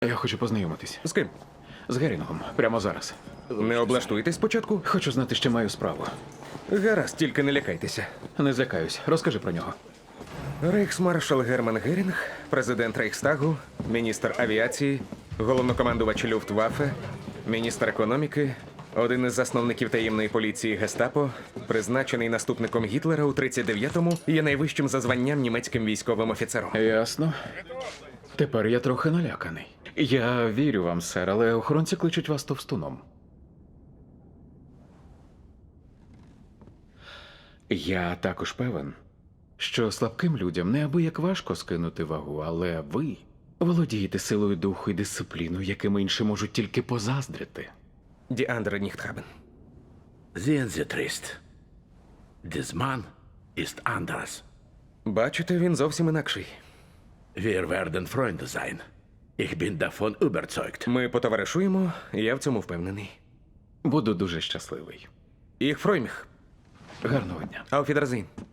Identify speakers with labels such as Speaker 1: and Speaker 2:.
Speaker 1: Я хочу познайомитись.
Speaker 2: З ким?
Speaker 1: З Герінгом. Прямо зараз.
Speaker 2: Не облаштуйтесь спочатку?
Speaker 1: Хочу знати, що маю справу.
Speaker 2: Гаразд, тільки не лякайтеся.
Speaker 1: Не злякаюсь. Розкажи про нього.
Speaker 2: Рейхсмаршал Герман Герінг, президент Рейхстагу, міністр авіації, головнокомандувач Люфтваффе, міністр економіки, один із засновників таємної поліції Гестапо, призначений наступником Гітлера у 39-му, є найвищим за званням німецьким військовим офіцером.
Speaker 1: Ясно. Тепер я трохи наляканий. Я вірю вам, сер, але охоронці кличуть вас товстуном. Я також певен, що слабким людям неабияк важко скинути вагу, але ви володієте силою духу і дисципліною, яким інші можуть тільки позаздрити.
Speaker 2: Ді Андре Ніхтхабен.
Speaker 3: Sehen Sie trist. Des Mann ist anders.
Speaker 2: Бачите, він зовсім інакший.
Speaker 3: Wir werden Freunde sein. Ich bin davon überzeugt.
Speaker 2: Ми потоваришуємо, я в цьому впевнений.
Speaker 1: Буду дуже щасливий.
Speaker 2: Їх Фройміх.
Speaker 1: Гарного дня.
Speaker 2: Auf Wiedersehen.